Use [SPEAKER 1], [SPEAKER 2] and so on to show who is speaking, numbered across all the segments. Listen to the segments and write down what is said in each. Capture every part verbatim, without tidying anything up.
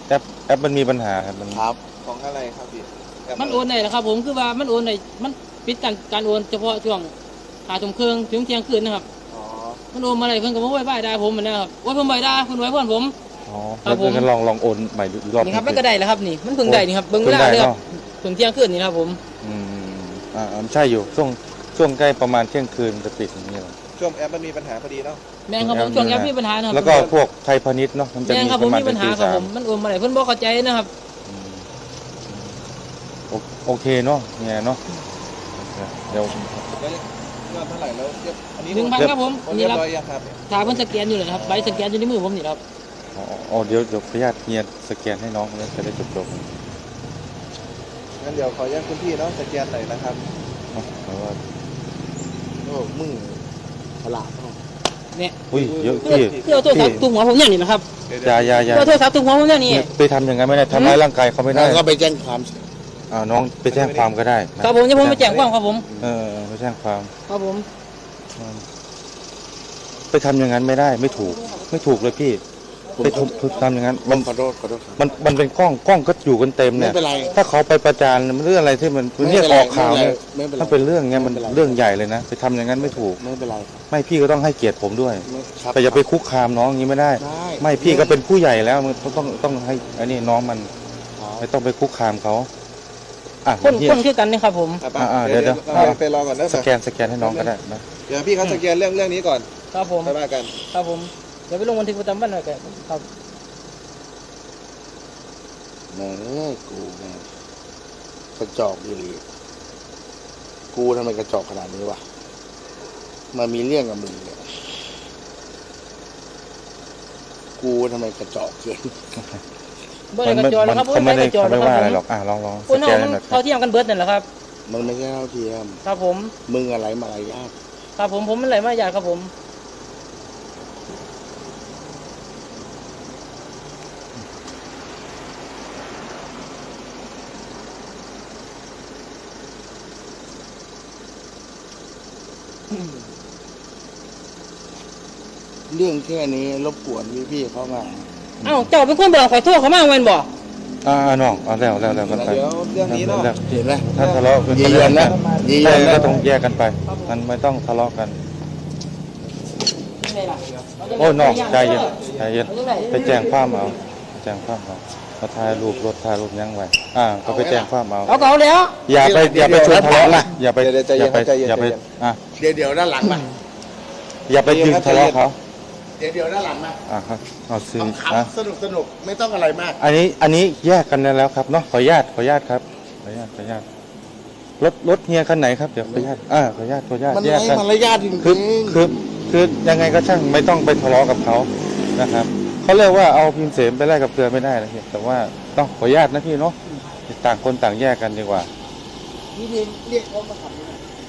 [SPEAKER 1] แอปแอปมันมีปัญหาครับมัน
[SPEAKER 2] ครับของอะไรครับพี่
[SPEAKER 3] มันโอนได้เหรอครับผมคือว่ามันโอนได้มันปิดการการโอนเฉพาะช่วงหาทุ่มครึ่งถึงเที่ยงคืนนะครับ
[SPEAKER 2] อ๋อ
[SPEAKER 3] มันโอนมาอะไรเพิ่นก็บ่ไว้บ่ายได้ผมเหมือนนะครับโอ้ยผมบ่ได้เพิ่นไว้เพิ่นผม
[SPEAKER 1] อ๋อแล้วก็ลองลองโอนใหม่รอบ
[SPEAKER 3] นี่ครับมันก็ได้แล้วครับนี่มันเพิ่งได้นี่ครับเบิ่งเวลาเลยครับถึงเที่ยงคืนนี่ครับผม
[SPEAKER 1] อืมอ่าใช่อยู่ช่วงช่วงใกล้ประมาณเที่ยงคืนจะปิดอย่างนี้หรอ
[SPEAKER 2] ช่วงแอปมันมีปัญหาพอดีเนาะ
[SPEAKER 3] แม่งครับผมช่วงแอปมีปัญหานะครับ
[SPEAKER 1] แล้วก็พวกไทยพาณิชย์เนาะมันจะมี
[SPEAKER 3] ประมาณมีปัญหาครับผมมันโอนมาอะไรเพิ่นบ่เข้าใจนะครับ
[SPEAKER 1] โอเคเนาะเนี่ยเนาะเดี๋ยว
[SPEAKER 2] เงินเท่าไหร่แล้วอันนี้
[SPEAKER 3] หนึ่งพันครับผม
[SPEAKER 2] นี่รับ
[SPEAKER 3] ถ้าเพิ่นสแกนอยู่เลยครับใบสแกนอยู่ในมือผมนี่ครับ
[SPEAKER 1] อ๋อเดี๋ยวเดี๋ยวขออนุญาตเฮียสแกนให้น้องแล้วจะได้จบจบ
[SPEAKER 2] งั้นเดี๋ยวขออนุญาตคุณพี่เนาะสแกนหน่อยนะครับ
[SPEAKER 1] เพราะว่า
[SPEAKER 2] โอ้มึงฉลาด
[SPEAKER 3] เนี่ย
[SPEAKER 1] อุ้ยเยอะพี่
[SPEAKER 3] คือเอาโทรศัพท์ตุ้งหัวผมเนี่ยนี่นะครับ
[SPEAKER 1] อย่าอย่าอย่า
[SPEAKER 3] เอาโทรศัพท์ตุ้งหัวผมเนี่ยนี่
[SPEAKER 1] ไปทำอย่างนั้นไม่ได้ทำร้ายร่างกายเขาไม่ได้
[SPEAKER 2] ก็ไปแจ้งความ
[SPEAKER 1] อ่าน้องไปแจ้งความก็ได้
[SPEAKER 3] ครับผมจะผมไปแจ้งความครับผม
[SPEAKER 1] เออไปแจ้งความ
[SPEAKER 3] ครับผม
[SPEAKER 1] ไปทำอย่างนั้นไม่ได้ไม่ถูกไม่ถูกเลยพี่ไปทำอย่างนั้นมัน
[SPEAKER 2] ขอโทษขอโทษ
[SPEAKER 1] มันมันเป็นกล้องกล้องก็อยู่กันเต็มเนี่ยถ้าเขาไปประจานมันเรื่องอะไรที่มันเรียกออกข่าวเนี่ยถ้าเป็นเรื่องเงี้ยมันเรื่องใหญ่เลยนะไปทำอย่างนั้นไม่ถูก
[SPEAKER 2] ไม่เป็นไร
[SPEAKER 1] ไม่พี่ก็ต้องให้เกียรติผมด้วยแต่อย่าไปคุกคามน้องอย่างนี้ไม่ได้ไม่พี่ก็เป็นผู้ใหญ่แล้วมันต้องต้องให้อันนี้น้องมันไม่ต้องไปคุกคามเขาอ่ะ
[SPEAKER 3] คนคนคือกันนี่ครับผม
[SPEAKER 1] อ่าเดี๋ยวเดี๋ยว
[SPEAKER 2] ไปรอก่อนนะ
[SPEAKER 1] สแกนสแกนให้น้องก็ได้นะ
[SPEAKER 2] เดี๋ยวพี่เขาสแกนเรื่องเรื่องนี้ก่อน
[SPEAKER 3] ครับผม
[SPEAKER 2] ไปว่ากัน
[SPEAKER 3] ครับผมเดี๋ยวไปลงบันทึกประจำวันหน่อยกันครับ
[SPEAKER 2] แม่กูแม่กระจอกดีเลยกูทำไมกระจอกขนาดนี้วะมามีเรื่องกับมึงเนี่ยกูทำไมกระจอกเกิน
[SPEAKER 3] มันไม่
[SPEAKER 1] เขาไม่ได้เขาไม่ว่าอะไรหรอกอ่ะลองลอง
[SPEAKER 3] สแกนหน่อยเขาเทียมกันเบิร์ดนั่นแหละครับ
[SPEAKER 2] มันไม่ใช่เท่าเทียม
[SPEAKER 3] ครับผม
[SPEAKER 2] มึงอะไรมาอะไรยาก
[SPEAKER 3] ครับผมผมมันอะไรมายากครับผม
[SPEAKER 2] เรื่องแค่นี้รบกวนพี่ๆเขามา
[SPEAKER 3] อ้าวเจ้าเป็นคนบอกขอโทษเขามาเว้นบอก
[SPEAKER 1] อ่าน้องเอาแล้วแล้วแล้วกันไป
[SPEAKER 2] เดี๋ยวเรื่องนี้เนาะเห็นไหม
[SPEAKER 1] ถ้าทะเลาะกัน
[SPEAKER 2] ยีเยือนนะยีเยือน
[SPEAKER 1] ก็ต้องแยกกันไปมันไม่ต้องทะเลาะกันโอ้น้องใจเย็นใจเย็นไปแจ้งความเอาแจ้งความเอามาถ่ายรูปรถถ่ายรูปยังไงอ่าก็ไปแจ้งความเอา
[SPEAKER 3] เอาเก่าแล้ว
[SPEAKER 1] อย่าไปอย่าไปชวนทะเลาะนะอย่าไปอย่าไปอย่าไปอ่ะ
[SPEAKER 2] เดี๋ยวเดี๋ยวด้านหลังมา
[SPEAKER 1] อย่าไปยืนทะเลาะเขา
[SPEAKER 2] เดี๋ยวเดี๋ยวด้านหลังมา
[SPEAKER 1] อ่าครับเอาซื้อ
[SPEAKER 2] สนุกสนุกไม่ต้องอะไรมาก
[SPEAKER 1] อันนี้อันนี้แยกกันแล้วครับเนาะขออนุญาตขออนุญาตครับขออนุญาตขออนุญาตรถรถเฮียคันไหนครับเดี๋ยวขออนุญาตอ่าขออนุญาตขออนุญาต
[SPEAKER 2] แยกกันมันมารยาทจริง
[SPEAKER 1] คือคือคือยังไงก็ช่างไม่ต้องไปทะเลาะกับเขานะครับเขาเรียกว่าเอาพิมพ์เสมไปแลกกับเกลือไม่ได้นะพี่แต่ว่าต้องขออนุญาตนะพี่เนาะต่างคนต่างแยกกันดีกว่า
[SPEAKER 2] พี่เรียกเขามาขับ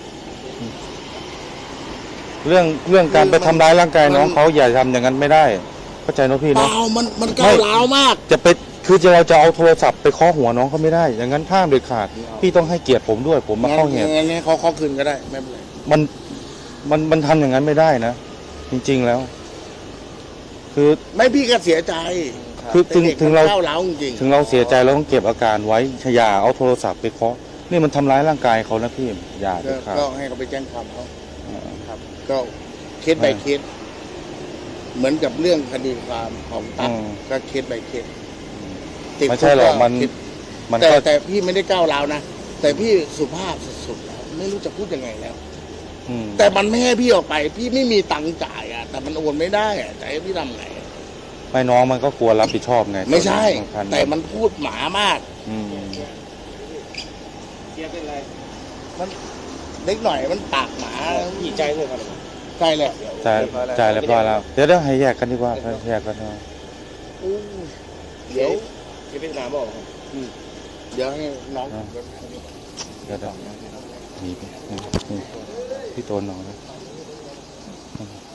[SPEAKER 1] เรื่องเรื่องการไปทำร้ายร่างกายน้องเขาอย่าทำอย่างนั้นไม่ได้เข้าใจนะพี่เนาะ
[SPEAKER 2] เปล่ามันมันก้าวร้าวมาก
[SPEAKER 1] จะไปคือจะเราจะเอาโทรศัพท์ไปเคาะหัวน้องเขาไม่ได้อย่างนั้นห้ามเด็ดขาดพี่ต้องให้เกียรติผมด้วยผมมาเข้าเหตุ
[SPEAKER 2] งั้นงั้นเขาเขาคืนก็ได้ไม่เป็นไร
[SPEAKER 1] มันมันมันทำอย่างนั้นไม่ได้นะจริงๆแล้วคือ
[SPEAKER 2] ไม่พี่ก็เสียใจ
[SPEAKER 1] คือถึงถึงเรา
[SPEAKER 2] ก้าวร้าวจริง
[SPEAKER 1] ถึงเราเสียใจเราต้องเก็บอาการไว้อย่าเอาโทรศัพท์ไปเคาะนี่มันทำร้ายร่างกายเขานะพี่อย่าเด็ดขาด
[SPEAKER 2] ก็ให้เขาไปแจ้งความเขาครับก็เคส by เคสเหมือนกับเรื่องคดีความของตั๊กก็เคส by เคส
[SPEAKER 1] ไม่ใช่หรอกมัน
[SPEAKER 2] มันแต่แต่พี่ไม่ได้ก้าวร้าวนะแต่พี่สุภาพสุดๆแล้วไม่รู้จะพูดยังไงแล้วแต่มันไม่ให้พี่ออกไปพี่ไม่มีตังค์จ่ายอ่ะแต่มันโอนไม่ได้อ่ะจะให้พี่ทำไง
[SPEAKER 1] ไม่น้องมันก็กลัวรับผิดชอบไง
[SPEAKER 2] ไม่ใช่แต่มันพูดหมามาก
[SPEAKER 3] เสียเป็นไร
[SPEAKER 2] มันเล็กหน่อยมันปากหมา
[SPEAKER 3] ดีใจเลยครับ
[SPEAKER 2] ใช่แหละ
[SPEAKER 1] จ่ายจ่ายเรียบร้อยแล้วเดี๋ยวเดี๋ยวให้แยกกันดีกว่าแยกกันเนาะ
[SPEAKER 2] เดี๋ยว
[SPEAKER 3] จะเป็นน้ำบอก
[SPEAKER 2] เดี๋ยวให้น้อง
[SPEAKER 1] เดี๋ยวเดี๋ยวมีพี่โตนน้อง